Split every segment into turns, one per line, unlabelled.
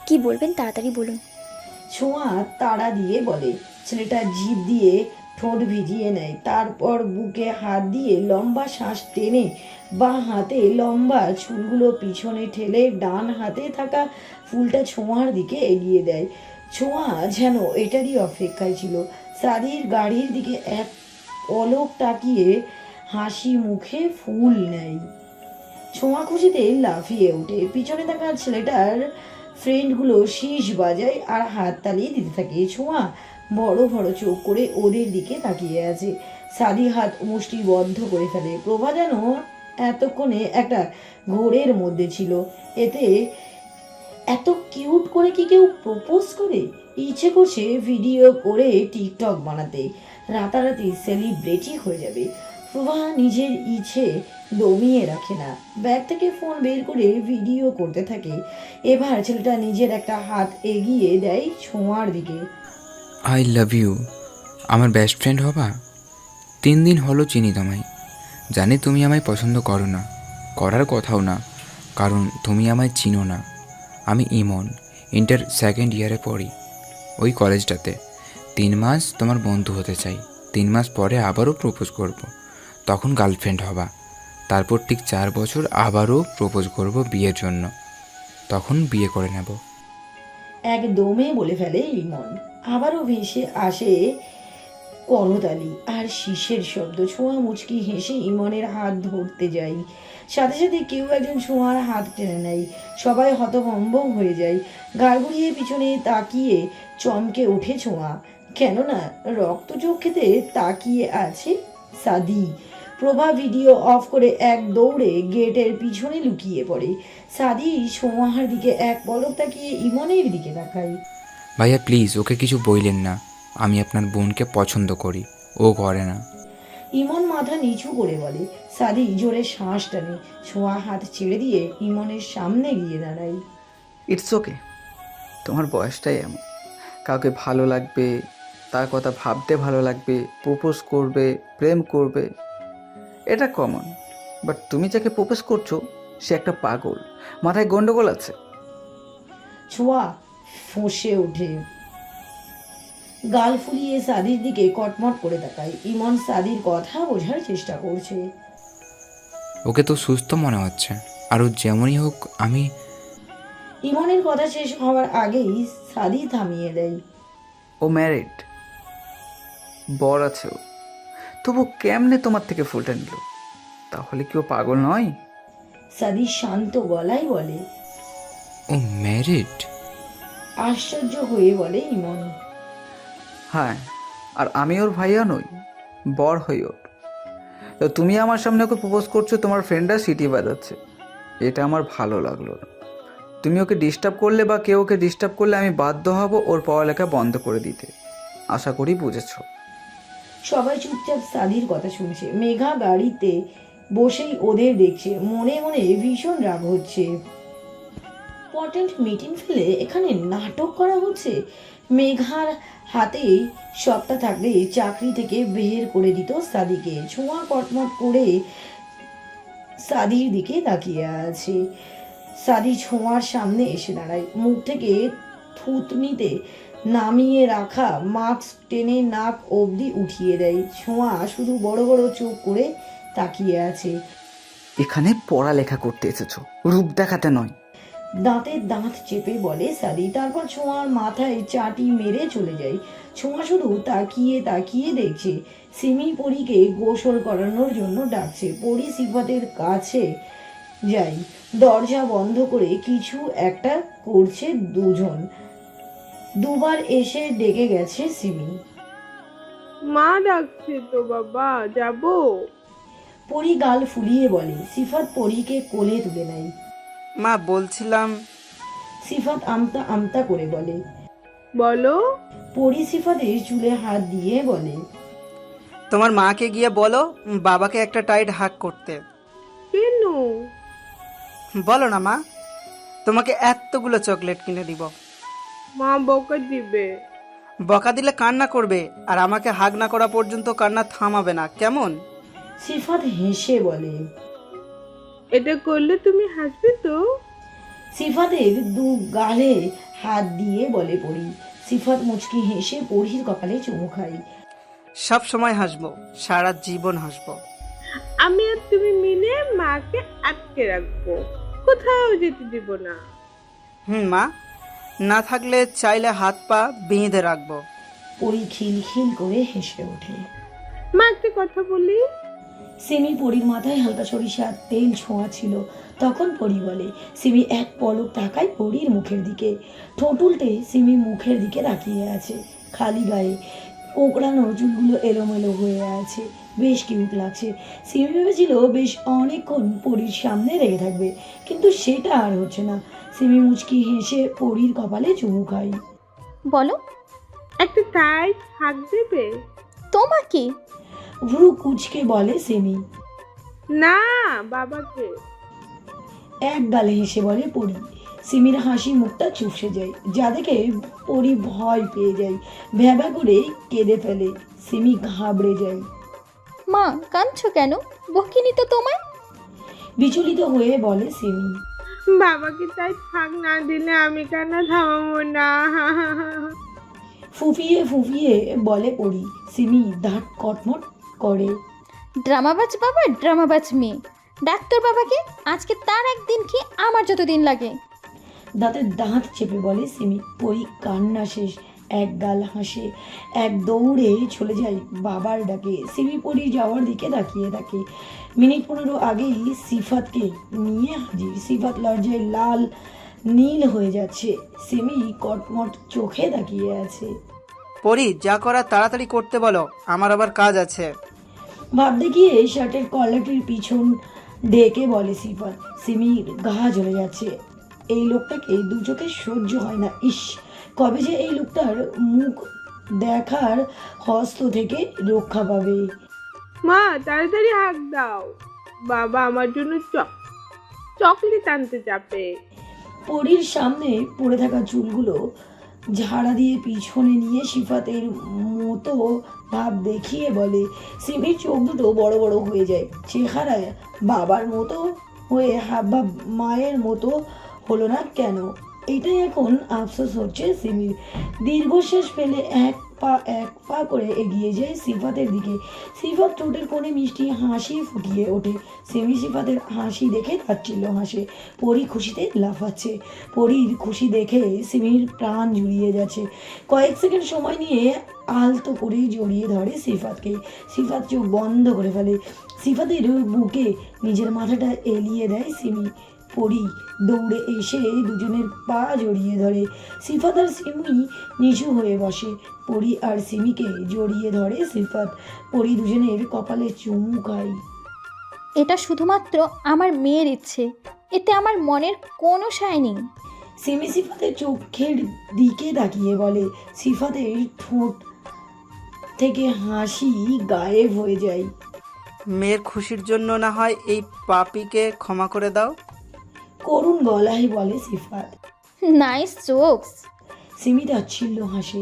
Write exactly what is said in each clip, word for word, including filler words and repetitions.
কি বলবেন তাড়াতাড়ি বলুন।
ছোঁয়া তাড়া দিয়ে বলে। ছেলেটা জিভ দিয়ে ঠোঁট ভিজিয়ে নেয়, তারপর বুকে হাত দিয়ে লম্বা শ্বাস টেনে বাঁ হাতে লম্বা চুলগুলো পিছনে ঠেলে ডান হাতে থাকা ফুলটা ছোঁয়ার দিকে এগিয়ে দেয়। ছোঁয়া যেন এটারই অপেক্ষায় ছিল। সাদির গাড়ির দিকে এক পলক তাকিয়ে হাসি মুখে ফুল নেয়। ছোঁয়া খুশিতে লাফিয়ে ওঠে। পিছনে থাকা ছেলেটার ফ্রেন্ডগুলো শীষ বাজায় আর হাত তালিয়ে দিতে থাকে। ছোঁয়া বড় বড় চোখ করে ওদের দিকে তাকিয়ে আছে। সাদি হাত মুষ্টি বদ্ধ করে ফেলে। প্রভা যেন এতক্ষণে একটা ঘোরের মধ্যে ছিল। এতে এত কিউট করে কি কেউ প্রপোজ করে? ইচ্ছে করছে ভিডিও করে টিকটক বানাতে, রাতারাতি সেলিব্রিটি হয়ে যাবে। প্রভা নিজের ইচ্ছে দমিয়ে রাখে না, ব্যাগ থেকে ফোন বের করে ভিডিও করতে থাকে। এবার ছেলেটা নিজের একটা হাত এগিয়ে দেয় ছোঁয়ার দিকে।
আই লাভ ইউ, আমার বেস্ট ফ্রেন্ড হবা। তিন দিন হলো চিনি তোমায়, জানি তুমি আমায় পছন্দ করো না, করার কথাও না, কারণ তুমি আমায় চিনো না। আমি ইমন, ইন্টার সেকেন্ড ইয়ারে পড়ি ওই কলেজটাতে। তিন মাস তোমার বন্ধু হতে চাই, তিন মাস পরে আবারও প্রপোজ করব, তখন গার্লফ্রেন্ড হবা। তারপর ঠিক চার বছর আবারও প্রপোজ করব বিয়ের জন্য, তখন বিয়ে করে নেব।
একদমে বলে ফেলে ইমন। আবারও ভেসে আসে করতালি আর শীষের শব্দ। ছোঁয়া মুচকি হেসে ইমনের হাত ধরতে যাই, সাথে সাথে কেউ একজন ছোঁয়ার হাত টেনে নেয়। সবাই হতভম্ব হয়ে যায়। গাল ঘুরিয়ে পিছনে তাকিয়ে চমকে ওঠে ছোঁয়া, কেননা রক্ত চোখেতে তাকিয়ে আছে সাদি। প্রভা ভিডিও অফ করে এক দৌড়ে গেটের পিছনে লুকিয়ে পড়ে। সাদি ছোঁয়ার দিকে এক পলক তাকিয়ে ইমনের দিকে তাকায়।
ভাইয়া প্লিজ ওকে কিছু বইলেন না, আমি আপনার বোনকে পছন্দ করি, ও করে না।
ইমন মাথা নিচু করে বলে। সাদি জোরে শ্বাস টানে। ছোঁয়া হাত ছেড়ে দিয়ে ইমনের সামনে গিয়ে দাঁড়ায়।
ইটস ওকে, তোমার বয়সটাই এমন। কাউকে ভালো লাগবে, তার কথা ভাবতে ভালো লাগবে, প্রপোজ করবে, প্রেম করবে, এটা কমন। বাট তুমি যাকে প্রপোজ করছো সে একটা পাগল, মাথায় গন্ডগোল আছে।
ছোঁয়া ফোঁসে ওঠে, গাল ফুলিয়ে সাদির দিকে কটমট করে তাকায়। ইমন সাদির কথা বোঝার চেষ্টা করছে।
ওকে তো সুস্থ মনে হচ্ছে, আর ও যেমনই হোক আমি।
ইমনের কথা শেষ হওয়ার আগেই সাদি থামিয়ে দেয়।
ও ম্যারিড, বর আছে ও, তবু কেমনে তোমার থেকে ফুলটা নিল? তাহলে কি ও পাগল নয়?
সাদি শান্ত গলায় বলে।
ও ম্যারিড?
আশ্চর্য হয়ে বলে ইমন।
হ্যাঁ, আর আমি ওর ভাইয়া নই, বর হই ওর। তো তুমি আমার সামনে ওকে প্রপোজ করছো, তোমার ফ্রেন্ডরা সিটি বাজাচ্ছে, এটা আমার ভালো লাগলো না। তুমি ওকে ডিস্টার্ব করলে বা কেউ ওকে ডিস্টার্ব করলে আমি বাধ্য হব ওর পড়ালেখা বন্ধ করে দিতে। আশা করি বুঝেছো।
সবাই চুপচাপ সাদির কথা শুনছে। মেঘা গাড়িতে বসেই ওদের দেখছে, মনে মনে ভীষণ রাগ হচ্ছে। ইম্পর্টেন্ট মিটিং ফেলে এখানে নাটক করা হচ্ছে। মেঘার হাতেই সবটা থাকলে চাকরি থেকে বের করে দিত সাদিকে। ছোঁয়া কটমট করে সাদির দিকে তাকিয়ে আছে। সাদি ছোঁয়ার সামনে এসে দাঁড়ায়, মুখ থেকে থুতনিতে নামিয়ে রাখা মাস্ক টেনে নাক অবধি উঠিয়ে দেয়। ছোঁয়া শুধু বড় বড় চোখ করে তাকিয়ে আছে।
এখানে পড়ালেখা করতে এসেছো, রূপ দেখাতে নয়।
দাঁতে দাঁত চেপে বলে সাদি, তারপর ছোঁয়ার মাথায় চাটি মেরে চলে যায়। ছোঁয়া শুধু তাকিয়ে তাকিয়ে দেখছে। সিমি পরীকে গোসল করানোর জন্য ডাকছে। পরী সিফাতের কাছে যাই, দরজা বন্ধ করে কিছু একটা করছে দুজন। দুবার এসে ডেকে গেছে সিমি।
মা ডাকছে তো বাবা, যাবো?
পরী গাল ফুলিয়ে বলে। সিফাত পরীকে কোলে তুলে নেয়।
মা বলছিলাম।
সিফাত আমতা আমতা করে বলে।
বলো।
পরী সিফাতের চুলে হাত দিয়ে বলে,
তোমার মাকে গিয়ে বলো বাবাকে একটা টাইট হাগ করতে।
কেন?
বলো না মা, তোমাকে এতগুলো চকলেট কিনে দিব।
মা বকা দিবে।
বকা দিলে কান্না করবে, আর আমাকে হাগ না করা পর্যন্ত কান্না থামাবে না, কেমন?
সিফাত হেসে বলে।
এটা করলে তুমি হাসবে তো?
সিফাতের দু গালে হাত দিয়ে বলে পড়ি। সিফাত মুচকি হেসে পরির কপালে চুমু খায়।
সব সময় হাসবো, সারা জীবন হাসবো।
আমি আর তুমি মিলে মাকে আটকে রাখবো, কোথাও যেতে দিব না।
হুম মা, না থাকলে চাইলে হাত পা বেঁধে রাখবো।
পরি খিলখিল করে হেসে ওঠে।
মা একটা কথা বলি।
সিমি পরির মাথায় হালকা সরিষার তেল ছোঁয়া ছিল। তখন পরি বলে। সিমি এক পলক তাকায় পরির মুখের দিকে। ঠোঁট উল্টে সিমি মুখের দিকে তাকিয়ে আছে। খালি গায়ে কোঁকড়ানো চুলগুলো এলোমেলো হয়ে আছে, বেশ কিউট লাগছে। সিমি ভেবেছিল বেশ অনেকক্ষণ পরির সামনে রেখে থাকবে, কিন্তু সেটা আর হচ্ছে না। সিমি মুচকি হেসে পরির কপালে চুমু খায়।
বলো।
একটা টাইট হাত দেবে?
তোমাকে?
ভ্রু কুচকে বলে সিমি।
না, বাবাকে।
এক গালে হেসে বলে পরি। সিমির হাসি মুখটা চুপসে যায়, যা দেখে পরি ভয় পেয়ে যায়, ভ্যাবা করে কেঁদে ফেলে। সিমি ঘাবড়ে যায়।
মা কাঁদছো কেন? বকিনি তো তোমায়?
বিচলিত হয়ে বলে সিমি।
বাবাকে তাই থাক না দিলে আমি কেন থামাবো না?
ফুফিয়ে ফুফিয়ে বলে পরি। সিমি দাঁত কটমট করে।
ড্রামাবাজ বাবা, ড্রামাবাজ মেয়ে। ডাক্তার বাবাকে, আজকে তার একদিন কি আমার যতদিন লাগে।
দাঁতে দাঁত চেপে বলে সিমি। পরি কান্না শেষ, এক গাল হাসে, এক দৌড়ে চলে যায় বাবার ডাকে। সিমি পরি যাওয়ার দিকে তাকিয়ে থাকে। মিনিট পনেরো আগেই সিফাতকে নিয়ে হাজির। সিফাত লজ্জায় লাল নীল হয়ে যাচ্ছে। সিমি কটমট চোখে তাকিয়ে আছে।
পরি, যা করা তাড়াতাড়ি করতে বলো, আমার আবার কাজ আছে।
ভাবতে গিয়ে শার্টের কলারটির পিছন ডেকে বলে সিফাত। সিমির গা জ্বলে যাচ্ছে। এই লোকটাকে দু চোখে সহ্য হয় না। ইস, কবে যে এই লোকটার মুখ দেখার হস্ত থেকে রক্ষা পাবে।
মা তাড়াতাড়ি হাঁক দাও, বাবা আমার জন্য চক চকলেট আনতে যাবে।
পরির সামনে পড়ে থাকা চুলগুলো ঝাড়া দিয়ে পিছনে নিয়ে সিফাতের মতো ভাব দেখিয়ে বলে। সিমির চোখ দুটো বড় বড় হয়ে যায়। চেহারায় বাবার মতো হয়ে হাবভাব মায়ের মতো হলো না কেন, এটাই এখন আফসোস হচ্ছে সিমির। দীর্ঘশ্বাস ফেলে এক পা এক পা করে এগিয়ে যায় সিফাতের দিকে। সিফাত ঠোঁটের কোণে মিষ্টি হাসি ফুটিয়ে ওঠে। সিমি সিফাতের হাসি দেখে তাচ্ছিল্য হাসে। পরি খুশিতে লাফাচ্ছে। পরির খুশি দেখে সিমির প্রাণ জুড়িয়ে যাচ্ছে। কয়েক সেকেন্ড সময় নিয়ে আলতো করে জড়িয়ে ধরে সিফাতকে। সিফাত চোখ বন্ধ করে ফেলে। সিফাতের বুকে নিজের মাথাটা এলিয়ে দেয় সিমি। পরি দৌড়ে এসে দুজনের পা জড়িয়ে ধরে। সিফাত আর সিমি নিচু হয়ে বসে। পরি আর সিমিকে জড়িয়ে ধরে সিফাত। পরি দুজনের কপালে চুমু খায়।
এটা শুধুমাত্র আমার মেয়ের ইচ্ছে, এতে আমার মনের কোনো সায় নেই।
সিমি সিফাতের চোখের দিকে তাকিয়ে বলে। সিফাতের ঠোঁট থেকে হাসি গায়েব হয়ে যায়।
মেয়ের খুশির জন্য না হয় এই পাপিকে ক্ষমা করে দাও।
করুণ গলায় বলে সিফাত।
Nice jokes.
সিমি তাচ্ছিল্য হাসে।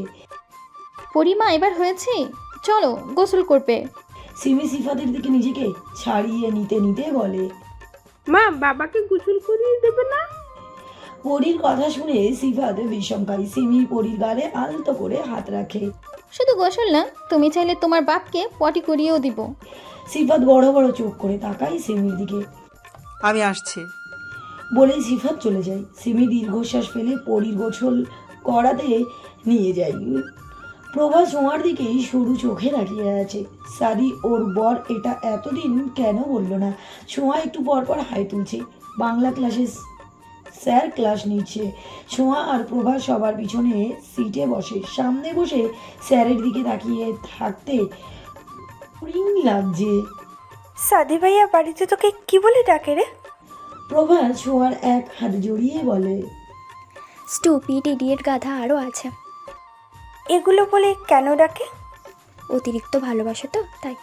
পরিমা এবার হয়েছে, চলো গোসল করবে।
সিমি সিফাতের দিকে নিজেকে ছাড়িয়ে নিতে নিতে বলে।
মা বাবাকে গোসল করিয়ে দেবে না?
পরির কথা শুনে সিফাত বিষমকারী। সিমি পরির গালে আলতো করে হাত রাখে।
শুধু গোসল না, তুমি চাইলে তোমার বাপকে পটি করিয়েও দিব।
সিফাত বড় বড় চোখ করে তাকায় সিমির দিকে।
আমি আসছি
বলেই সিফাত চলে যায়। সিমি দীর্ঘশ্বাস ফেলে পরির গোসল করাতে নিয়ে যায়। প্রভা ছোঁয়ার দিকেই সরু চোখে তাকিয়ে আছে। সাদি ওর বর এটা এতদিন কেন বললো না? ছোঁয়া একটু পর পর হাই তুলছে। বাংলা ক্লাসে স্যার ক্লাস নিচ্ছে। ছোঁয়া আর প্রভা সবার পিছনে সিটে বসে। সামনে বসে স্যারের দিকে তাকিয়ে থাকতে রিং লাগছে।
সাদি ভাইয়া বাড়িতে তোকে কি বলে ডাকে রে?
প্রভা ছোঁয়ার এক হাত জড়িয়ে বলে।
স্টুপিড ইডিয়েট গাধা আরও আছে।
এগুলো বলে কেন ডাকে?
অতিরিক্ত ভালোবাসে তো তাই।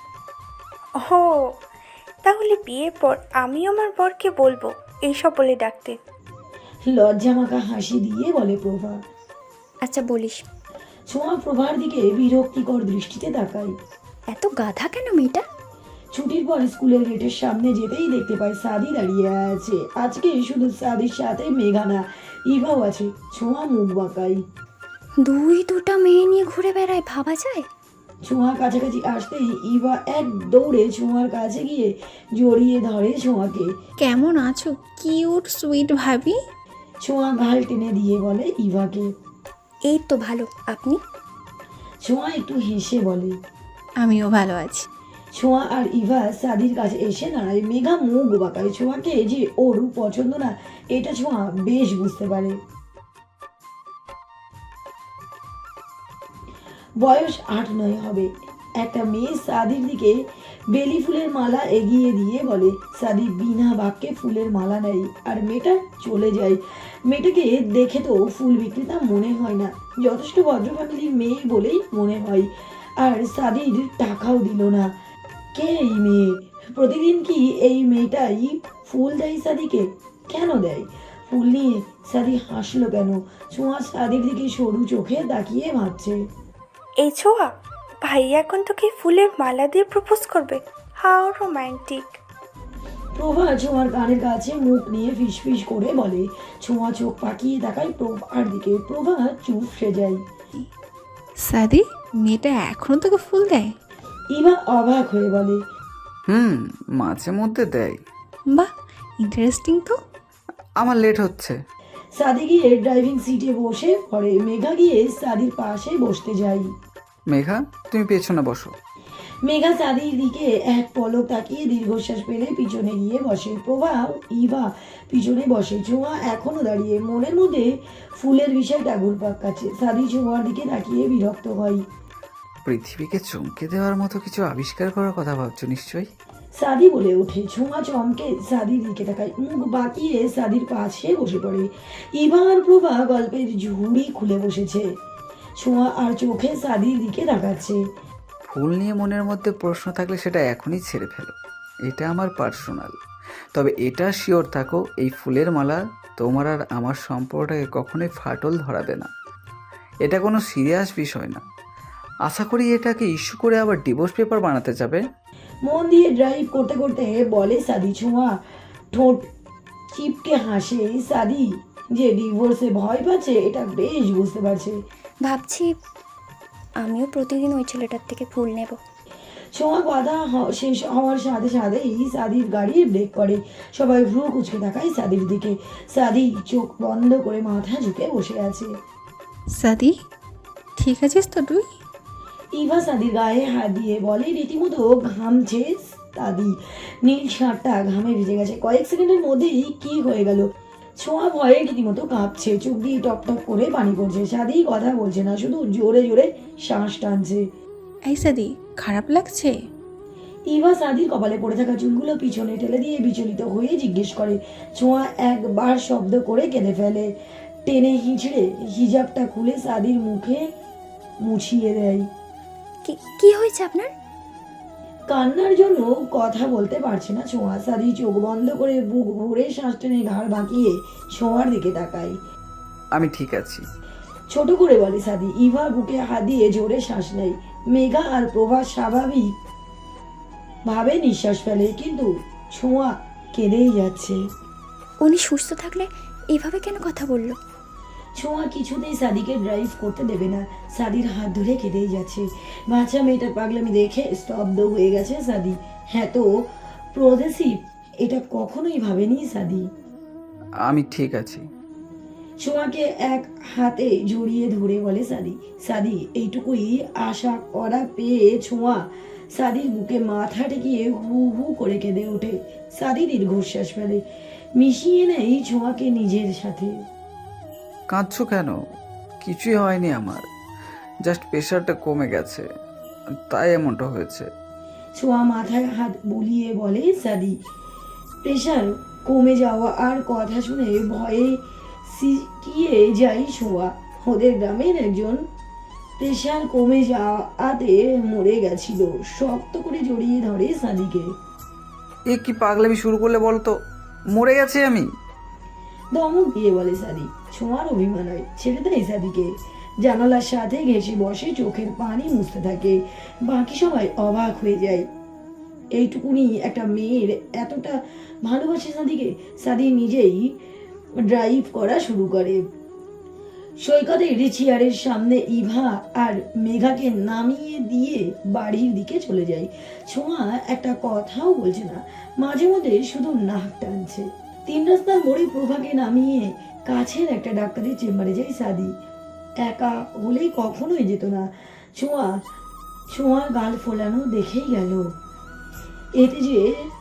ও, তাহলে বিয়ের পর আমি আমার বরকে বলবো এইসব বলে ডাকতে।
লজ্জা মাখা হাসি দিয়ে বলে প্রভা।
আচ্ছা বলিস।
ছোঁয়া প্রভার দিকে বিরক্তিকর দৃষ্টিতে তাকায়।
এত গাধা কেন মেয়েটা?
ছুটির পর স্কুলের গেটের সামনে যেতেই দেখতে পায় সাদি দাঁড়িয়ে আছে। আজকে শুধু সাদির সাথে মেঘা না, ইভাও আছে। ছোঁয়া মুখ বাঁকাই।
দুই দুটা মেয়ে নিয়ে ঘুরে বেড়ায়, ভাবা যায়?
ছোঁয়া কাছাকাছি আসতেই ইভা এক দৌড়ে ছোঁয়ার কাছে গিয়ে জড়িয়ে ধরে ছোঁয়াকে।
কেমন আছো কিউট সুইট ভাবি?
ছোঁয়া ঘাল টেনে দিয়ে বলে ইভাকে।
এই তো ভালো, আপনি?
ছোঁয়া একটু হেসে বলে।
আমিও ভালো আছি।
ছোঁয়া আর ইভা সাদির কাছে এসে দাঁড়ায়। মেঘা মুখ বাঁকায়। ছোঁয়াকে যে ওর পছন্দ না এটা ছোঁয়া বেশ বুঝতে পারে। বয়স আট নয় হবে। একটা মেয়ে সাদির দিকে বেলি ফুলের মালা এগিয়ে দিয়ে বলে। সাদি বিনা বাক্যে ফুলের মালা নেয় আর মেয়েটা চলে যায়। মেয়েটাকে দেখে তো ফুল বিক্রেতা মনে হয় না, যথেষ্ট ভদ্র ফ্যামিলির মেয়ে বলেই মনে হয়। আর সাদির টাকাও দিল না। কে এই মেয়ে? প্রতিদিন কি এই মেয়েটাই ফুল দেয় সাদিকে? কেন দেয়? ফুল নিয়ে সাদি হাসলো কেন? ছোঁয়া সাদির দিকে সরু চোখে তাকিয়ে ভাবছে।
এই ছোঁয়া, ভাইয়া এখন তোকে ফুলের মালা দিয়ে প্রপোজ করবে? How romantic.
প্রভা ছোঁয়ার কানের কাছে মুখ নিয়ে ফিসফিস করে বলে। ছোঁয়া চোখ পাকিয়ে তাকায় প্রভার দিকে। প্রভা চুপসে যায়।
সাদি, মেয়েটা এখনো তোকে ফুল দেয়?
ইভা অবাক হয়ে বলে।
হুম, মাঝে মধ্যে দেয়।
বাহ, ইন্টারেস্টিং তো।
আমার লেট হচ্ছে।
সাদি গিয়ে ড্রাইভিং সিটে বসে পড়ে। মেঘা গিয়ে সাদির পাশে বসতে যায়।
মেঘা, তুমি পেছনে বসো।
মেঘা সাদির দিকে এক পলক তাকিয়ে দীর্ঘশ্বাস ফেলে পিছনে গিয়ে বসে। প্রভা ইভা পিছনে বসে। ছোঁয়া এখনো দাঁড়িয়ে মনের মধ্যে ফুলের বিষয়টা ঘুরপাক কাছে। সাদি ছোঁয়ার দিকে তাকিয়ে বিরক্ত হয়।
পৃথিবীকে চমকে দেওয়ার মতো কিছু আবিষ্কার করার কথা ভাবছো নিশ্চয়ই।
সাদি বলে ওঠে। ছোঁয়া চমকে সাদির দিকে তাকায়। মুখ বাঁকিয়ে সাদির পাশে বসে পড়ে। ইভা আর প্রভা গল্পের ঝুড়ি খুলে বসেছে। ছোঁয়া আর চোখে সাদির দিকে তাকাচ্ছে।
ফুল নিয়ে মনের মধ্যে প্রশ্ন থাকলে সেটা এখনই ছেড়ে ফেলো, এটা আমার পার্সোনাল। তবে এটা শিওর থাকো, এই ফুলের মালা তোমার আর আমার সম্পর্কটাকে কখনোই ফাটল ধরাবে না। এটা কোনো সিরিয়াস বিষয় না। আশা করি এটাকে ইস্যু করে আবার ডিভোর্স পেপার বানাতে যাবে।
মন দিয়ে ড্রাইভ করতে করতে বলে সাদি। ছোঁয়া ঠোঁট চিপকে হাসে। সাদি যে ডিভোর্সে ভয় পাচ্ছে এটা বেশ বুঝতে পারছে।
ভাবছি আমিও প্রতিদিন ওই ছেলেটার থেকে ফুল নেব।
ছোঁয়া কথা হ- শেষ হওয়ার সাথে সাথেই সাদির গাড়ি ব্রেক করে। সবাই ভ্রু কুচকে তাকায় সাদির দিকে। সাদি চোখ বন্ধ করে মাথা ঝুঁকে বসে আছে।
সাদি, ঠিক আছিস তো তুই?
ইভা সাদির গায়ে হাত দিয়ে বলে। রীতিমতো ঘামছে সাদি। নীল শার্টটা ঘামে ভিজে গেছে। কয়েক সেকেন্ডের মধ্যেই কি হয়ে গেল। ছোঁয়া ভয়ে রীতিমতো কাঁপছে। চোখ দিয়ে টপ টপ করে পানি পড়ছে। সাদি কথা বলছে না, শুধু জোরে জোরে শ্বাস টানছে।
এই সাদি, খারাপ লাগছে?
ইভা সাদির কপালে পড়ে থাকা চুলগুলো পিছনে ঠেলে দিয়ে বিচলিত হয়ে জিজ্ঞেস করে। ছোঁয়া একবার শব্দ করে কেঁদে ফেলে। টেনে হিঁচড়ে হিজাবটা খুলে সাদির মুখে মুছিয়ে দেয়।
কি কি হয়েছে আপনার?
কান্নার জন্য কথা বলতে পারছে না ছোঁয়া। সাদি চোখ বন্ধ করে বুক ভরে শ্বাস টেনে ঘাড় বাঁকিয়ে ছোঁয়ার দিকে তাকায়।
আমি ঠিক আছি।
ছোট করে বলে সাদি। ইভা বুকে হাত দিয়ে জোরে শ্বাস নেয়। মেঘা আর প্রভা স্বাভাবিক ভাবে নিঃশ্বাস ফেলে, কিন্তু ছোঁয়া কেঁদেই যাচ্ছে।
উনি সুস্থ থাকলে এভাবে কেন কথা বললো?
ছোঁয়া কিছুতেই সাদিকে ড্রাইভ করতে দেবে না। সাদির হাত ধরে কেঁদেই যাচ্ছে। বাচ্চা মেয়েটার পাগলামি দেখে স্তব্ধ হয়ে গেছে সাদি। হ্যাঁ তো প্রদেশিভ, এটা কখনোই ভাবেনি সাদি।
আমি ঠিক আছি।
ছোঁয়াকে এক হাতে জড়িয়ে ধরে বলে সাদি। সাদি এইটুকুই আশা করা পেয়ে ছোঁয়া সাদির বুকে মাথা ঠেকিয়ে হু হু করে কেঁদে ওঠে। সাদি দীর্ঘশ্বাস ফেলে, মিশিয়ে নেয় ছোঁয়াকে নিজের সাথে।
কাঁদছো কেন? কিছুই হয়নি আমার, জাস্ট প্রেশারটা কমে গেছে, তাই এমনটা হয়েছে।
ছোঁয়া মাথায় হাত বুলিয়ে বলে সাদি। প্রেশার কমে যাওয়া আর কথা শুনে ভয়ে সিকিয়ে যায় ছোঁয়া। ওদের গ্রামের একজন প্রেশার কমে যাওয়াতে মরে গেছিল। শক্ত করে জড়িয়ে ধরে সাদিকে।
এ কি পাগলামি শুরু করলে বলতো? মরে গেছি আমি?
ধমক দিয়ে বলে সাদি। ছোঁয়ার অভিমান হয়, ছেড়ে দেয় সাদিকে। জানালার সাথে ঘেঁষে বসে চোখের পানি মুছতে থাকে। বাকি সবাই অবাক হয়ে যায়। এইটুকুনি একটা মেয়ের এতটা ভালোবাসে সাদিকে। সাদি নিজেই ড্রাইভ করা শুরু করে। সৈকতের চেয়ারের সামনে ইভা আর মেঘাকে নামিয়ে দিয়ে বাড়ির দিকে চলে যায়। ছোঁয়া একটা কথাও বলছে না, মাঝে মধ্যে শুধু নাক টানছে। তিন রাস্তার মোড়ে প্রভাকে নামিয়ে কাছের একটা ডাক্তারের চেম্বারে যায় সাদি। একা হলেই কখনোই যেত না। ছোঁয়া ছোঁয়ার গাল ফোলানো দেখেই গেল। এতে যে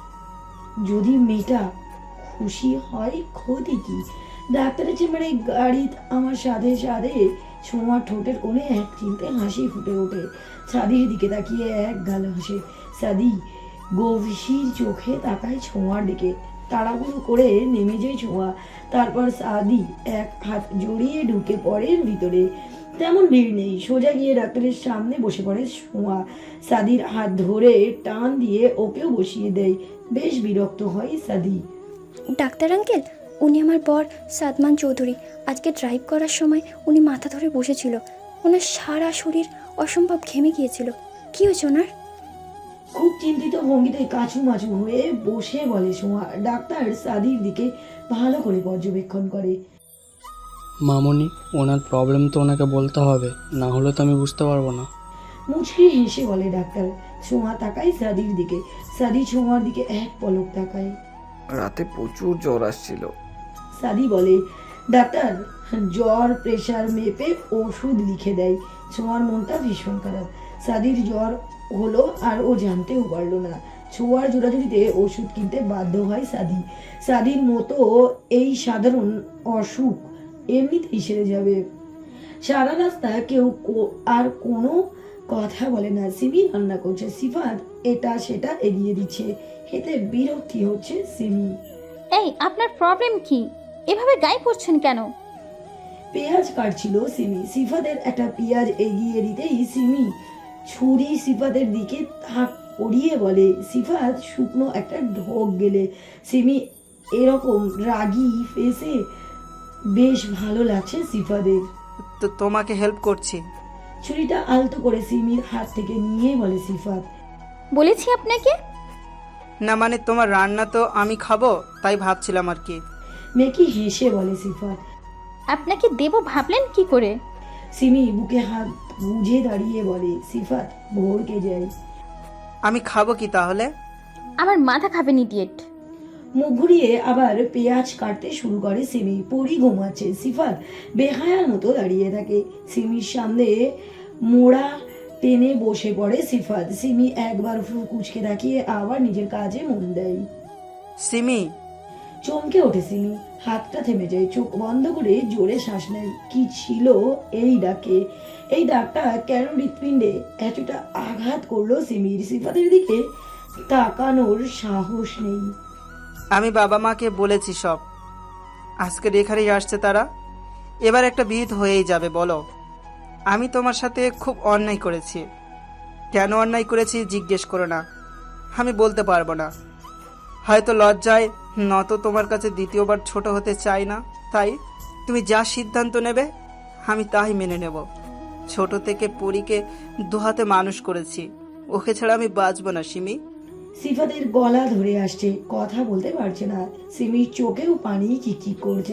যদি মেয়েটা খুশি হয় ক্ষতি কি? ডাক্তারের চেম্বারে গাড়ি আমার সাথে সাথে ছোঁয়ার ঠোঁটের কোণে এক চিনতে হাসি ফুটে ওঠে। সাদির দিকে তাকিয়ে এক গাল হাসে। সাদি গভীর চোখে তাকায় ছোঁয়ার দিকে। তাড়াহুড়ো করে নেমে যায় ছোঁয়া। তারপর সাদি এক হাত জড়িয়ে ঢুকে পড়ে ভিতরে। তেমন ভিড় নেই, সোজা গিয়ে ডাক্তারের সামনে বসে পড়ে ছোঁয়া। সাদির হাত ধরে টান দিয়ে ওকেও বসিয়ে দেয়। বেশ বিরক্ত হয় সাদি।
ডাক্তার আঙ্কেল, উনি আমার বর সাদমান চৌধুরী। আজকে ড্রাইভ করার সময় উনি মাথা ধরে বসেছিল। ওনার সারা শরীর অসম্ভব ঘেমে গিয়েছিল। কী হয়েছে ওনার?
খুব চিন্তিত ভঙ্গিতে কাছু মাছু হয়ে বসে বলে ছোঁয়া। ডাক্তার সাদির দিকে ভালো করে পর্যবেক্ষণ করে।
মামনি, ওনার প্রবলেম তো ওনাকে বলতে হবে, না হলে তো আমি বুঝতে পারবো না।
মুচকি হেসে বলে ডাক্তার। ছোঁয়া তাকায় সাদির দিকে। সাদি ছোঁয়ার দিকে এক পলক তাকায়।
রাতে প্রচুর জ্বর আসছিল।
সাদি বলে। ডাক্তার জ্বর প্রেশার মেপে ওষুধ লিখে দেয়। ছোঁয়ার মনটা ভীষণ খারাপ। সাদির জ্বর হলো আর ও জানতেও পারলো না। ছোঁয়ার জোড়াজুড়িতে ওষুধ কিনতে বাধ্য হয় সাদি। সাদির মতো এই সাধারণ অসুখ এমনিতেই সেরে যাবে। সারা রাস্তা কেউ কো- আর কোনো কথা বলে না। সিমি রান্না করছে, সিফাত এটা সেটা এগিয়ে দিচ্ছে। এতে বিরক্তি হচ্ছে সিমি।
এই, আপনার প্রবলেম কি? এভাবে গায়ে পড়ছেন কেন?
পেঁয়াজ কাটছিল সিমি। সিফাতের একটা পেঁয়াজ এগিয়ে দিতেই সিমি ছুরি সিফাতের দিকে হাঁক পড়িয়ে বলে। সিফাত শুকনো একটা ঢোক গেলে। সিমি এরকম রাগী ফেসে বেশ ভালো লাগছে সিফাতের।
তো তোমাকে হেল্প করছি।
ছুরিটা আলতো করে সিমির হাত থেকে নিয়ে বলে সিফাত।
বলেছি আপনাকে।
না মানে তোমার রান্না তো আমি খাবো, তাই ভাবছিলাম আর কি।
মেকি হেসে বলে সিফাত।
আপনাকে দেব ভাবলেন কি করে?
সিমি বুকে হাত গুজে দাঁড়িয়ে বলে। সিফাত ভরকে যায়।
আমি খাবো কি তাহলে?
আমার মাথা খাবেন ইডিয়েট।
মুখ ঘুরিয়ে আবার পেঁয়াজ কাটতে শুরু করে সিমি। পরি ঘুমাচ্ছে। সিফাত বেহায়ার মতো দাঁড়িয়ে থাকে। সিমির সামনে মোড়া টেনে বসে পড়ে সিফাত। সিমি একবার ফুল কুচকে তাকিয়ে আবার নিজের কাজে মন দেয়।
সিমি,
চমকে ওঠে সিমি। হাতটা থেমে যায়। চোখ বন্ধ করে জোরে শ্বাস নেয়। কি ছিল এই ডাকে? এই ডাকটা কেন হৃৎপিণ্ডে এতটা আঘাত করলো সিমির? সিফাতের দিকে তাকানোর সাহস নেই।
আমি বাবা মাকে বলেছি সব। আজকে এখানেই আসছে তারা। এবার একটা বিহিত হয়েই যাবে। বলো, আমি তোমার সাথে খুব অন্যায় করেছি। কেন অন্যায় করেছি জিজ্ঞেস করো না, আমি বলতে পারবো না। হয়তো লজ্জায় নত তোমার কাছে দ্বিতীয়বার ছোট হতে চাই না। তাই তুমি যা সিদ্ধান্ত নেবে আমি তাই মেনে নেব। ছোট থেকে পরীকে দুহাতে মানুষ করেছি, ওকে ছাড়া আমি বাঁচবো না সিমি।
সিফাতের গলা ধরে আসছে, কথা বলতে পারছে না। সিমির চোখেও পানি চিকচিক করছে।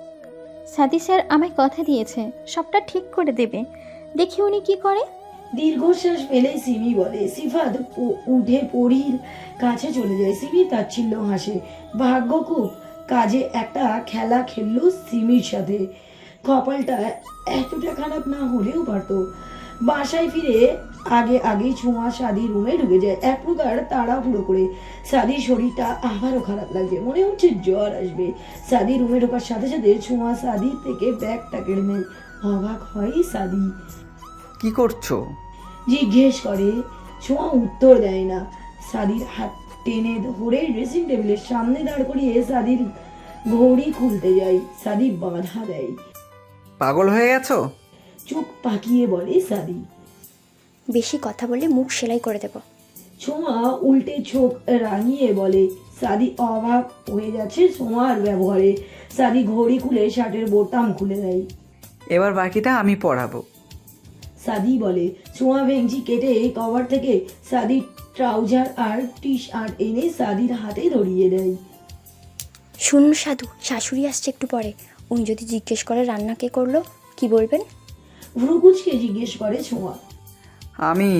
সাদি স্যার আমায় কথা দিয়েছে সবটা ঠিক করে দেবে। দেখি উনি কি করে।
দীর্ঘশ্বাস ফেলে সিমি বলে। সিফাত উ- উঠে পরীর কাছে চলে যায়। সিমি তাচ্ছিল্য হাসে। ভাগ্য খুব কাজে একটা খেলা খেললো সিমির সাথে। কপালটা এতটা খারাপ না হলেও পারতো। বাসায় ফিরে আগে আগে ছোঁয়া সাদি রুমে ঢুকে যায় এক প্রকার তাড়াহুড়ো করে। সাদির শরীরটা আবারও খারাপ লাগছে, মনে হচ্ছে জ্বর আসবে। সাদি রুমে ঢোকার সাথে সাথে ছোঁয়া সাদির থেকে ব্যাগটা কেড়ে নেয়। অবাক হয় সাদি।
কি করছো?
জিজ্ঞেস করে। ছোঁয়া উত্তর দেয় না। সাদির হাত টেনে ধরে ড্রেসিং টেবিলের সামনে দাঁড় করিয়ে সাদির ঘড়ি খুলতে যায়। সাদি বাধা দেয়।
পাগল হয়ে গেছো?
চোখ পাকিয়ে বলে সাদি।
বেশি কথা বললে মুখ সেলাই করে দেব।
ছোঁয়া উল্টে চোখ রাঙিয়ে বলে। সাদি অবাক হয়ে যাচ্ছে ছোঁয়ার ব্যবহারে। সাদি ঘড়ি খুলে শার্টের বোতাম খুলে দেয়।
এবার বাকিটা আমি পড়াবো।
সাদি বলে। ছোঁয়া ভেঙচি কেটে কভার থেকে সাদির ট্রাউজার আর টি শার্ট এনে সাদির হাতে ধরিয়ে দেয়।
শুনুন সাধু, শাশুড়ি আসছে একটু পরে। উনি যদি জিজ্ঞেস করে রান্না কে করলো, কি বলবেন?
ভ্রুকুচকে জিজ্ঞেস করে ছোঁয়া।
আমি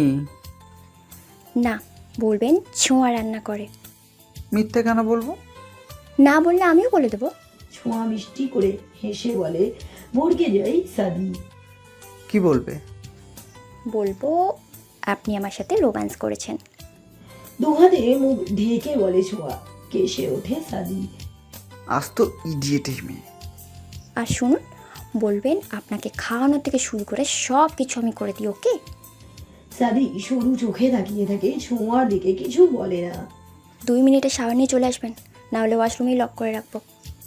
না, বলবেন ছোঁয়া রান্না করে।
মিথ্যে কেন বলবো?
না বললে আমিও বলে দেবো।
ছোঁয়া মিষ্টি করে হেসে বলে। ভড়কে যায় সাদি।
কি বলবে?
বলবো আপনি আমার সাথে রোম্যান্স করেছেন।
দুহাতে মুখ ঢেকে বলে ছোঁয়া। কেসে ওঠে সাদি।
আজ তো ইডিয়েটই মেয়ে।
আর শুনুন, বলবেন আপনাকে খাওয়ানো থেকে শুরু করে সব কিছু আমি করে দিই, ওকে?
সাদি সরু চোখে তাকিয়ে থাকে, ছোঁয়ার দিকে কিছু বলে না।
দুই মিনিটে শাওয়ার নিয়ে চলে আসবেন, না হলে ওয়াশরুমেই লক করে রাখবো।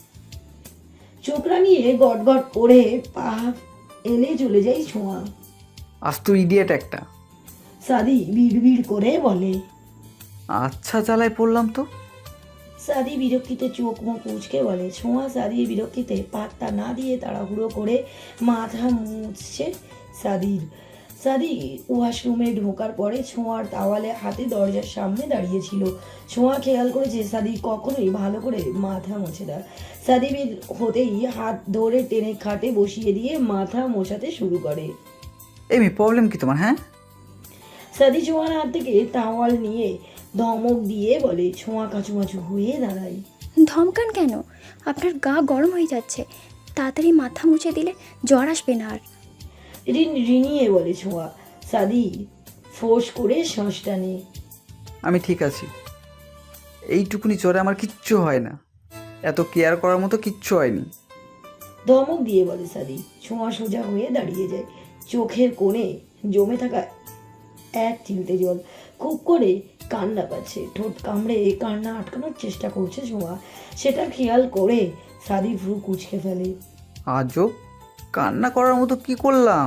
চোখ রাঙিয়ে গট গট করে পা এলে চলে যায় ছোঁয়া।
আজ তো ইডিয়েট একটা।
সাদি বিড়বিড় করে বলে।
আচ্ছা জ্বালায় পড়লাম তো।
সাদি বিরক্তিতে চোখ মুখ কুঁচকে বলে। ছোঁয়া সাদির বিরক্তিতে পাত্তা না দিয়ে তাড়াহুড়ো করে মাথা মুছছে সাদির। সাদি ওয়াশরুমে ঢোকার পরে ছোঁয়ার তাওয়ালে হাতে দরজার সামনে দাঁড়িয়েছিল। ছোঁয়া খেয়াল করেছে সাদি কখনোই ভালো করে মাথা মোছে না। সাদি বের হতেই হাত ধরে টেনে খাটে বসিয়ে দিয়ে মাথা মোছাতে শুরু করে।
এই মেয়ে, প্রবলেম কি তোমার? হ্যাঁ,
সাদি ছোঁয়ার হাত থেকে তাওয়াল নিয়ে ধমক দিয়ে বলে। ছোঁয়া কাচুমাচু হয়ে দাঁড়ায়।
ধমকান কেন? আপনার গা গরম হয়ে যাচ্ছে। তাড়াতাড়ি মাথা মুছে দিলে জ্বর আসবে না আর।
রিন রিনিয়ে বলে ছোঁয়া। সাদি ফোঁস করে শ্বাস টানে।
আমি ঠিক আছি। এইটুকুনি জ্বরে আমার কিচ্ছু হয় না। এত কেয়ার করার মতো কিচ্ছু হয়নি।
ধমক দিয়ে বলে সাদি। ছোঁয়া সোজা হয়ে দাঁড়িয়ে যায়। চোখের কোণে জমে থাকা এক চিলতে জল। খুব করে কান্না পাচ্ছে। ঠোঁট কামড়ে কান্না আটকানোর চেষ্টা করছে ছোঁয়া। সেটা খেয়াল করে সাদি ভ্রু কুঁচকে ফেলে।
আজও কান্না করার মতো কি করলাম?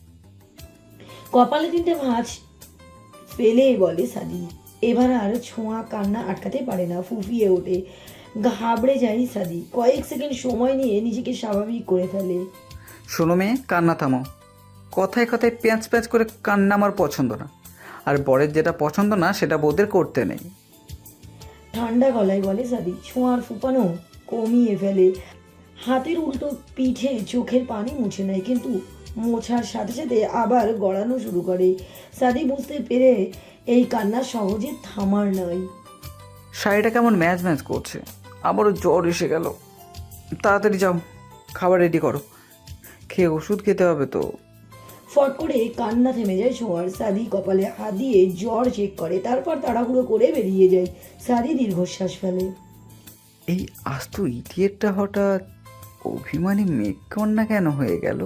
কপালে তিনটে ভাঁজ ফেলে বলে সাদি। এবার আর ছোঁয়া কান্না আটকাতে পারে না, ফুফিয়ে ওঠে। ঘাবড়ে যায় সাদি। কয়েক সেকেন্ড সময় নিয়ে নিজেকে স্বাভাবিক করে ফেলে।
শোনো মেয়ে, কান্না থামো। কথায় কথায় প্যাঁচ প্যাঁচ করে কান্না আমার পছন্দ না। আর বরের যেটা পছন্দ না সেটা বোদের করতে নেই।
ঠান্ডা গলায় বলে সাদি। ছোঁয়ার ফুপানো কমিয়ে ফেলে। হাতের উল্টো পিঠে চোখের পানি মুছে নেয়, কিন্তু মোছার সাথে সাথে আবার গড়ানো শুরু করে। সাদি বুঝতে পেরে এই কান্না সহজে থামার নয়।
শাড়িটা কেমন ম্যাচ ম্যাচ করছে। আবারও জ্বর এসে গেল। তাড়াতাড়ি যাও, খাবার রেডি করো। খেয়ে ওষুধ খেতে হবে তো।
ফট করে কান্না থেমে যায় ছোঁয়ার। সাদি কপালে হাত দিয়ে জ্বর চেক করে, তারপর তাড়াহুড়ো করে বেরিয়ে যায়। সাদি দীর্ঘশ্বাস ফেলে।
এই আস্ত ইডিয়েটটা হঠাৎ অভিমানী মেঘকন্যা কেন হয়ে গেল?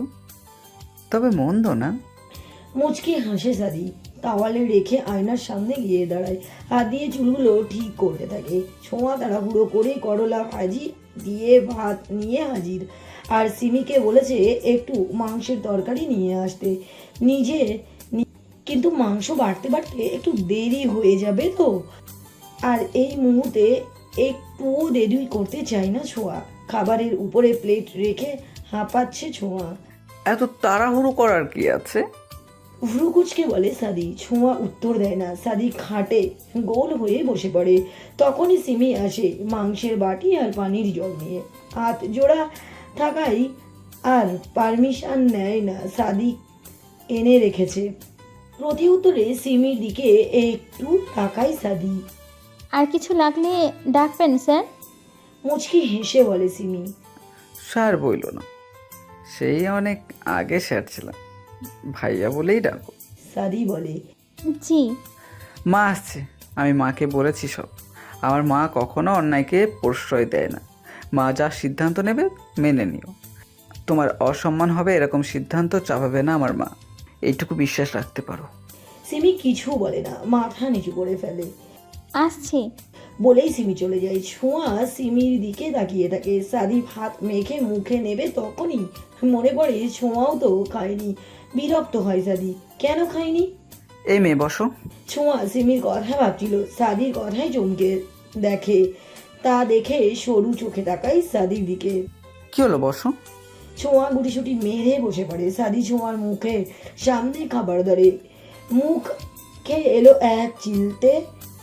তবে মন্দ না।
মুচকি হাসে সাদি। তাওয়ালে রেখে আয়নার সামনে গিয়ে দাঁড়ায়। হাত দিয়ে চুলগুলো ঠিক করতে থাকে। ছোঁয়া তাড়াহুড়ো করে করলা ভাজি দিয়ে ভাত নিয়ে হাজির। আর সিমিকে বলেছে একটু মাংসের তরকারি নিয়ে আসতে। নিজে নি- কিন্তু মাংস বাড়তে বাড়তে একটু দেরি হয়ে যাবে তো। আর এই মুহূর্তে একটুও দেরি করতে চায় না ছোঁয়া। খাবারের উপরে প্লেট রেখে হাঁপাচ্ছে ছোঁয়া।
এত তাড়াহুড়ো করার কি আছে?
ভ্রুকুচকে বলে সাদি। ছোঁয়া উত্তর দেয় না। সাদি খাটে গোল হয়ে বসে পড়ে। তখনই সিমি আসে মাংসের বাটি আর পানির জল নিয়ে। হাত জোড়া থাকাই আর পারমিশন নেয় না। সাদি এনে রেখেছে। প্রতি উত্তরে সিমির দিকে একটু তাকায় সাদি।
আর কিছু লাগলে ডাকবেন স্যার।
মুচকি হেসে বলে সিমি।
স্যার বইল না, সেই অনেক আগে স্যার ছিলাম। ভাইয়া বলেই ডাকো।
সাদি বলে।
জি।
মা আসছে, আমি মাকে বলেছি সব। আমার মা কখনো অন্যায়কে প্রশ্রয় দেয় না। মা যা সিদ্ধান্ত নেবে মেনে নিও। তোমার অসম্মান হবে এরকম সিদ্ধান্ত চাপাবে না আমার মা, এইটুকু বিশ্বাস রাখতে পারো।
সিমি কিছু বলে না, মাথা নিচু করে ফেলে।
আসছি।
বলেই সিমি চলে যায়। ছোঁয়া সিমির দিকে তাকিয়ে থাকে। সাদি ভাত মেখে মুখে নেবে, তখনই মনে পড়ে ছোঁয়াও তো খায়নি। বিরক্ত হয় সাদি। কেন খায়নি?
এই মেয়ে বসো।
ছোঁয়া সিমির কথা ভাবছিল। সাদির কথাই চমকে দেখে। তা দেখে সরু চোখে তাকায় সাদির দিকে।
কি হলো, বসো।
ছোঁয়া গুটিসুটি মেরে বসে পড়ে। সাদি ছোঁয়ার মুখে সামনে খাবার ধরে। মুখ খেয়ে এলো এক চিলতে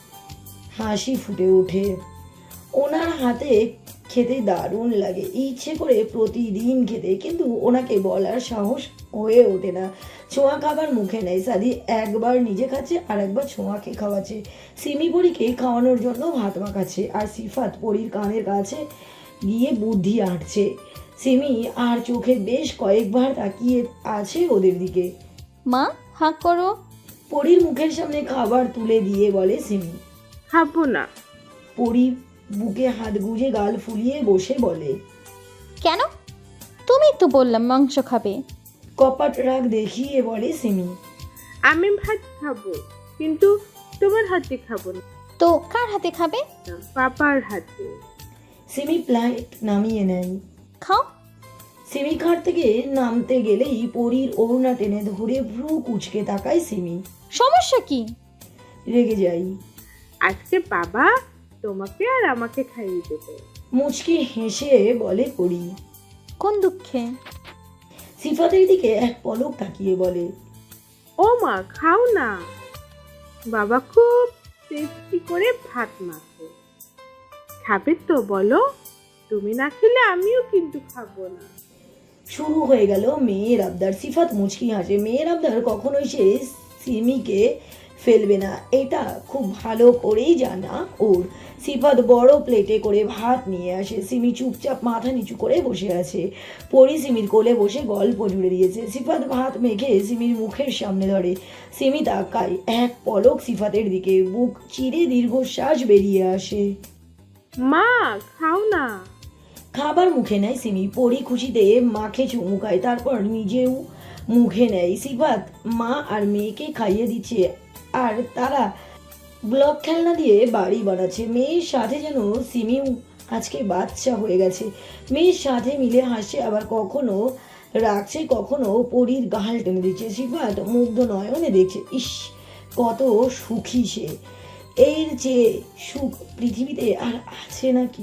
হাসি ফুটে ওঠে। ওনার হাতে খেতে দারুণ লাগে, ইচ্ছে করে প্রতিদিন খেতে, কিন্তু ওনাকে বলার সাহস হয়ে ওঠে না। ছোঁয়া খাবার মুখে নেয়। সাদি একবার নিজে খাচ্ছে আর একবার ছোঁয়াকে খাওয়াচ্ছে। সিমি পরীকে খাওয়ানোর জন্য ভাত মাখাচ্ছে, আর সিফাত পরীর কানের কাছে গিয়ে বুদ্ধি আঁটছে। সিমি আর চোখে বেশ কয়েকবার তাকিয়ে আছে ওদের দিকে।
মা হাঁক করো।
পরীর মুখের সামনে খাবার তুলে দিয়ে বলে সিমি।
খাবো না।
পরী বুকে হাত গুজে গাল ফুলিয়ে বসে বলে,
কেন? তুমি তো বললাম মাংস খাবে।
কপাট রাগ দেখিয়ে বলে সিমি।
আমি ভাত খাবো, কিন্তু তোমার হাতে খাবো না,
তো কার হাতে খাবে?
পাপার হাতে।
সিমি প্লেট নামিয়ে নেয়।
খাও।
সিমি খাট থেকে নামতে গেলেই পরীর ওড়না টেনে ধরে ভ্রু কুচকে তাকায় সিমি।
সমস্যা কি?
রেগে যাই।
আজকে বাবা তোমাকে আর আমাকে খাইয়ে দেবে।
মুচকি হেসে বলে পরী।
কোন দুঃখে?
সিফাতের দিকে এক পলক তাকিয়ে বলে,
ও মা খাও না, বাবা খুব টেস্টি করে ভাত মাখে। খাবে তো বলো? তুমি না খেলে আমিও কিন্তু খাবো না।
শুরু হয়ে গেল মেয়ের আবদার। সিফাত মুচকি হাসে। মেয়ের আবদার কখনোই সে সিমিকে ফেলবে না, এটা খুব ভালো করেই জানা ওর। সিফাত বড় প্লেটে করে ভাত নিয়ে আসে। সিমি চুপচাপ মাথা নিচু করে বসে আছে। পরি সিমির কোলে বসে গল্প জুড়ে দিয়েছে। সিফাত ভাত মেখে সিমির মুখের সামনে ধরে। সিমি তাকায় এক পলক সিফাতের দিকে, বুক চিরে দীর্ঘশ্বাস বেরিয়ে আসে।
মা খাও না।
খাবার মুখে নেয় সিমি। পরি খুশিতে মাখে চুমু খায়, তারপর নিজেও মুখে নেয়। সিফাত মা আর মেয়েকে খাইয়ে দিচ্ছে, আর তারা ব্লক খেলনা দিয়ে বাড়ি বানাচ্ছে। মেয়ের সাথে যেন সিমিও আজকে বাচ্চা হয়ে গেছে। মেয়ের সাথে মিলে হাসছে, আবার কখনো রাখছে, কখনো পরীর গাল টেনে দিচ্ছে। সিফাত মুগ্ধ নয়নে দেখছে, ইস কত সুখী সে। এর যে সুখ পৃথিবীতে আর আছে নাকি?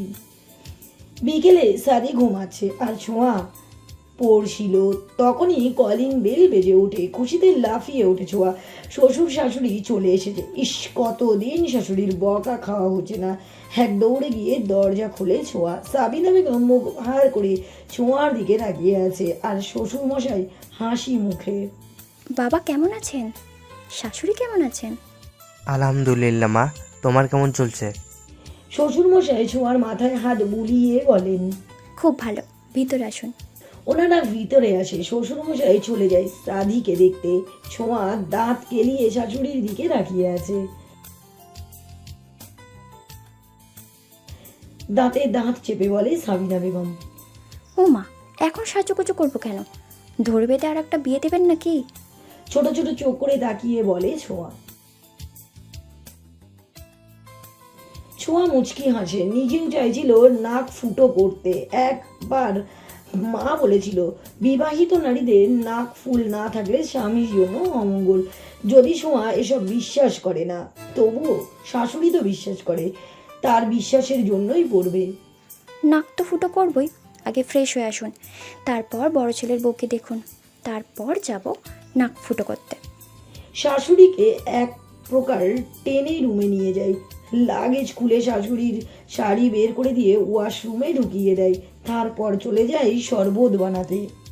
বিকেলে সাদি ঘুমাচ্ছে আর ছোঁয়া পড়ছিল। তখনই কলিং বেল বেজে ওঠে। খুশিতে লাফিয়ে ওঠে ছোঁয়া। শ্বশুর শাশুড়ি চলে এসেছে। ইস কতদিন শাশুড়ির বকা খাওয়া হচ্ছে না। এক দৌড়ে গিয়ে দরজা খুলে ছোঁয়া। সাবিনা বেগম মুখ ভার করে ছোঁয়ার দিকে তাকিয়ে আছে, আর শ্বশুর মশাই হাসি মুখে।
বাবা কেমন আছেন? শাশুড়ি কেমন আছেন?
আলহামদুলিল্লাহ মা, তোমার কেমন চলছে?
শ্বশুর মশাই ছোঁয়ার মাথায় হাত বুলিয়ে বলেন,
খুব ভালো, ভিতরে আসুন।
ওনারা ভিতরে আসে। শ্বশুর মশাই চলে যায় সাদিকে দেখতে। ছোঁয়া দাঁত কেলিয়ে শাশুড়ির দিকে তাকিয়ে আছে। দাঁতে দাঁত চেপে বলে সাবিনা বেগম,
ও মা, এখন সাজুগুজু করবো কেন? ধরে বেঁধে আর একটা বিয়ে দেবেন নাকি?
ছোট ছোট চোখ করে তাকিয়ে বলে ছোঁয়া। ছোঁয়া মুচকি হাসে। নিজেও চাইছিল নাক ফুটো করতে। একবার মা বলেছিল, বিবাহিত নারীদের নাক ফুল না থাকলে স্বামীর জন্য অমঙ্গল। যদি ছোঁয়া এসব বিশ্বাস করে না, তবুও শাশুড়ি তো বিশ্বাস করে, তার বিশ্বাসের জন্যই পড়বে।
নাক তো ফুটো করবই, আগে ফ্রেশ হয়ে আসুন, তারপর বড় ছেলের বউকে দেখুন, তারপর যাব নাক ফুটো করতে।
শাশুড়িকে এক প্রকার টেনে রুমে নিয়ে যায়। লাগেজ খুলে শাশুড়ির শাড়ি বের করে দিয়ে ওয়াশরুমে ঢুকিয়ে দেয়। তারপর চলে যায় শরবত বানাতে।